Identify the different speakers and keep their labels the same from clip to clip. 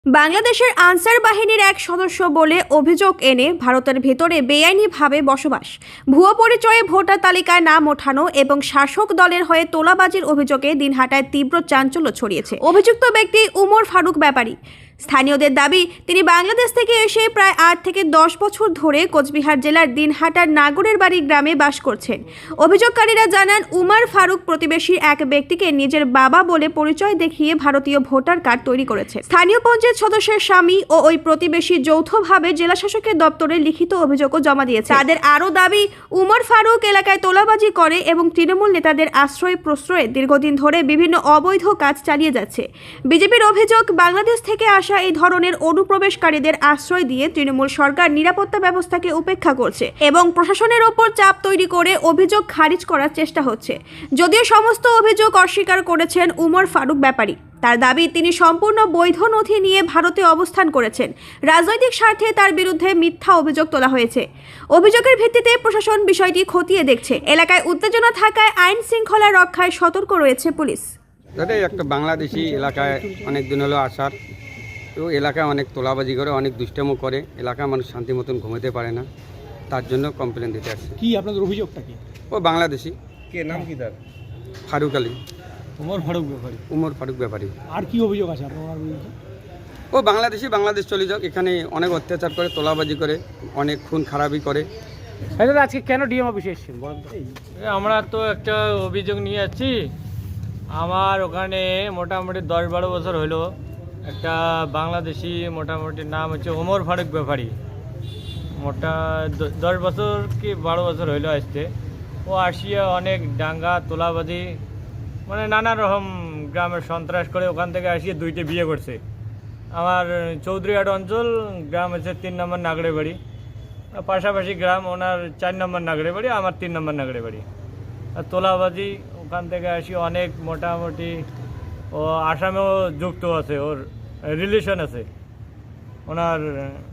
Speaker 1: বাংলাদেশের আনসার বাহিনীর এক সদস্য বলে অভিযোগ এনে ভারতের ভেতরে বেআইনিভাবে বসবাস, ভুয়ো পরিচয়ে ভোটার তালিকায় নাম ওঠানো এবং শাসক দলের হয়ে তোলাবাজির অভিযোগে দিনহাটায় তীব্র চাঞ্চল্য ছড়িয়েছে। অভিযুক্ত ব্যক্তি উমর ফারুক ব্যাপারী। স্থানীয়দের দাবি, তিনি বাংলাদেশ থেকে এসে প্রায় 8 থেকে 10 বছর ধরে কোচবিহার জেলার দিনহাটার নাগরের বাড়ি গ্রামে বাস করছেন। অভিযোগকারীরা জানান, উমর ফারুক প্রতিবেশী এক ব্যক্তিকে নিজের বাবা বলে পরিচয় দেখিয়ে ভারতীয় ভোটার কার্ড তৈরি করেছে। স্থানীয় পঞ্চায়েত সদস্যের স্বামী ও ওই প্রতিবেশী যৌথভাবে জেলা শাসকের দপ্তরে লিখিত অভিযোগও জমা দিয়েছে। তাদের আরও দাবি, উমর ফারুক এলাকায় তোলাবাজি করে এবং তৃণমূল নেতাদের আশ্রয় প্রশ্রয়ে দীর্ঘদিন ধরে বিভিন্ন অবৈধ কাজ চালিয়ে যাচ্ছে। বিজেপির অভিযোগ, বাংলাদেশ থেকে এই ধরনের অনুপ্রবেশকারীদের আশ্রয় দিয়ে তৃণমূল সরকার নিরাপত্তা ব্যবস্থাকে উপেক্ষা করছে এবং প্রশাসনের ওপর চাপ তৈরি করে অভিযোগ খারিজ করার চেষ্টা হচ্ছে। যদিও সমস্ত অভিযোগ অস্বীকার করেছেন উমর ফারুক ব্যাপারী। তার দাবি, তিনি সম্পূর্ণ বৈধ নথি নিয়ে ভারতে অবস্থান করেছেন। রাজনৈতিক স্বার্থে তার বিরুদ্ধে মিথ্যা অভিযোগ তোলা হয়েছে। অভিযোগের ভিত্তিতে প্রশাসন বিষয়টি খতিয়ে দেখছে। এলাকায় উত্তেজনা থাকায় আইন শৃঙ্খলা রক্ষায় সতর্ক রয়েছে পুলিশ।
Speaker 2: একটা বাংলাদেশি এলাকায় অনেক দিন হলো আসার, তো এলাকায় অনেক তোলাবাজি করে, অনেক দুষ্টামো করে, এলাকায় মানুষ শান্তি মতন ঘুমাতে পারে না, তার জন্য কমপ্লেন দিতে আসছে।
Speaker 3: কি আপনাদের অভিযোগটা কি?
Speaker 2: ও বাংলাদেশি।
Speaker 3: কে নাম কি তার?
Speaker 2: ফারুক আলী।
Speaker 3: উমর ফারুক ব্যাপারী।
Speaker 2: উমর ফারুক ব্যাপারী।
Speaker 3: আর কি অভিযোগ আছে আপনার বিরুদ্ধে?
Speaker 2: ও বাংলাদেশি, বাংলাদেশ চলে যাক, এখানে অনেক অত্যাচার করে, তোলাবাজি করে, অনেক খুন খারাপি করে।
Speaker 3: আজকে কেন ডিএম অফিসে এসেছেন বলেন তো?
Speaker 4: আমরা তো একটা অভিযোগ নিয়ে যাচ্ছি। আমার ওখানে মোটামুটি 10-12 বছর হলো একটা বাংলাদেশি, মোটামুটি নাম হচ্ছে উমর ফারুক ব্যাপারী। 10 বছর কি 12 বছর হইলো আসতে। ও আসিয়া অনেক ডাঙ্গা তোলাবাজি, মানে নানা রকম গ্রামের সন্ত্রাস করে। ওখান থেকে আসিয়ে 2টে বিয়ে করছে। আমার চৌধুরীহাট অঞ্চল, গ্রাম হচ্ছে 3 নম্বর নাগড়ে বাড়ি, পাশাপাশি গ্রাম। ওনার 4 নম্বর নাগড়ে বাড়ি, আমার 3 নম্বর নাগড়ে বাড়ি। আর তোলাবাজি ওখান থেকে আসি অনেক, মোটামুটি ও আসামেও যুক্ত আছে, ওর রিলেশন আছে। ওনার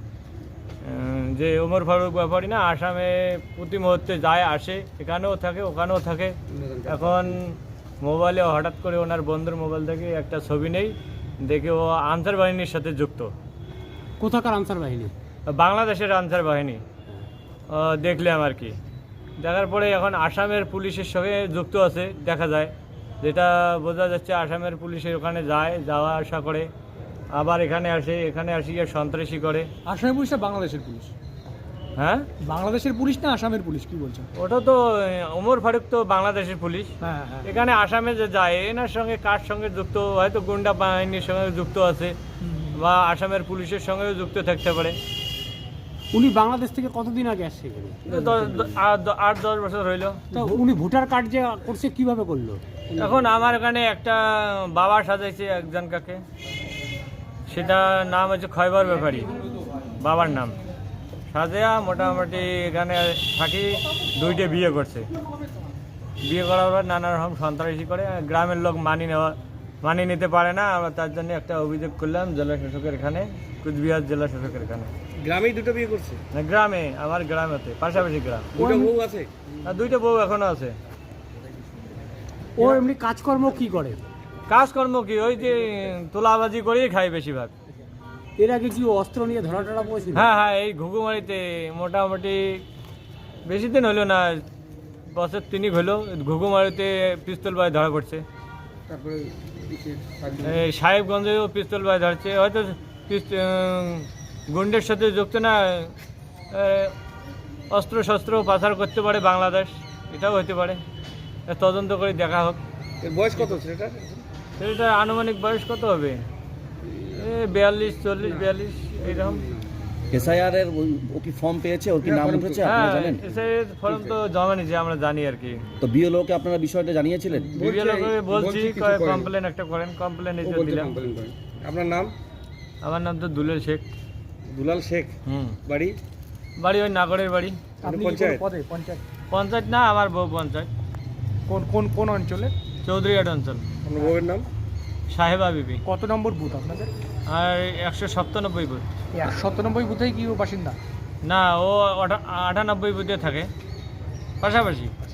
Speaker 4: যে উমর ফারুক ব্যাপারী না, আসামে প্রতি মুহূর্তে যায় আসে, এখানেও থাকে ওখানেও থাকে। এখন মোবাইলে হঠাৎ করে ওনার বন্ধুর মোবাইল থেকে একটা ছবি নেই, দেখে ও আনসার বাহিনীর সাথে যুক্ত।
Speaker 3: কোথাকার আনসার বাহিনী?
Speaker 4: বাংলাদেশের আনসার বাহিনী দেখলাম আর কি। দেখার পরে এখন আসামের পুলিশের সঙ্গে যুক্ত আছে দেখা যায়, যেটা বোঝা যাচ্ছে। আসামের পুলিশের ওখানে যায়, যাওয়া আসা করে, আবার এখানে আসে, এখানে আসিয়ে সন্ত্রাসী করে।
Speaker 3: আসামের পুলিশ না বাংলাদেশের পুলিশ?
Speaker 4: হ্যাঁ,
Speaker 3: বাংলাদেশের পুলিশ না আসামের পুলিশ, কি বলছেন?
Speaker 4: ওটা তো উমর ফারুক তো বাংলাদেশের পুলিশ।
Speaker 3: হ্যাঁ হ্যাঁ।
Speaker 4: এখানে আসামে যে যায়, এনার সঙ্গে কার সঙ্গে যুক্ত, হয়তো গুন্ডা বাহিনীর সঙ্গে যুক্ত আছে বা আসামের পুলিশের সঙ্গেও যুক্ত থাকতে পারে।
Speaker 3: উনি বাংলাদেশ থেকে কতদিন আগে আসছে এখানে?
Speaker 4: 8-10 বছর হইলো।
Speaker 3: তো উনি ভোটার কার্ড যে করছে কিভাবে করলো?
Speaker 4: এখন আমার এখানে একটা বাবা সাজাইছে একজন কাকে, সেটা নাম হচ্ছে খয়বর ব্যাপারী, বাবার নাম সাজেয়া। মোটামুটি এখানে থাকি, 2টে বিয়ে করছে। বিয়ে করার পর নানা রকম সন্ত্রাসী করে, গ্রামের লোক মানি নিতে পারে না। আমরা তার জন্য একটা অভিযোগ করলাম জেলা শাসকের এখানে, কুচবিহার জেলা শাসকের এখানে।
Speaker 3: গ্রামেই 2টো বিয়ে করছে?
Speaker 4: না, গ্রামে, আমার গ্রামেতে, পাশাপাশি গ্রাম।
Speaker 3: 2টো বউ আছে?
Speaker 4: আর 2টে বউ এখনো আছে।
Speaker 3: ও এমনি কাজকর্ম কি করে?
Speaker 4: কাজকর্ম কি, ওই যে তোলাবাজি করেই খায় বেশিরভাগ।
Speaker 3: এর আগে কি অস্ত্র নিয়ে ধরা টরা পড়েছিল?
Speaker 4: হ্যাঁ হ্যাঁ, এই ঘুঘুমারিতে মোটামুটি বেশি দিন হলো না, বছর 3 হলো, ঘুঘুমারিতে পিস্তল বাই ধরা পড়ছে।
Speaker 2: তারপরে
Speaker 4: এই সাহেবগঞ্জেও পিস্তল বাই ধরছে। হয়তো গুন্ডের সাথে যুক্ত না, অস্ত্র শস্ত্র পাচার করতে পারে বাংলাদেশ, এটাও হতে পারে। তদন্ত করে দেখা হোক।
Speaker 3: বয়স কত ছেলেটার?
Speaker 4: সেটা আনুমানিক বয়স কত হবে, 42, 40, 42 এইরকম।
Speaker 5: এসআইআর এর ও কি ফর্ম পেয়েছে? ওর কি নাম উঠেছে আপনারা জানেন?
Speaker 4: এসআইআর ফর্ম তো জমা নিয়েছে, আমরা জানি আর কি।
Speaker 5: তো বিএলওকে আপনারা বিষয়টা জানিয়েছিলেন?
Speaker 4: বিএলওকে বলছি, কমপ্লেন একটা করেন, কমপ্লেন এসে দিলাম।
Speaker 3: আপনার নাম?
Speaker 4: আমার নাম তো দুলাল শেখ।
Speaker 3: দুলাল শেখ। বাড়ি?
Speaker 4: বাড়ি ওই নাগরের বাড়ি।
Speaker 3: পঞ্চায়েত?
Speaker 4: পঞ্চায়েত না, আমার বউ পঞ্চায়েত।
Speaker 3: কোন কোন কোন অঞ্চলে?
Speaker 4: চৌধুরীহাট অঞ্চল।
Speaker 3: আপনার বউয়ের নাম?
Speaker 4: সাহেবা বিবি।
Speaker 3: কত নম্বর বুথ আপনাদের?
Speaker 4: আর 197 বুথ।
Speaker 3: 197 বুথেই কি ও বাসিন্দা?
Speaker 4: না, ও 98 বুথে থাকে, পাশাপাশি।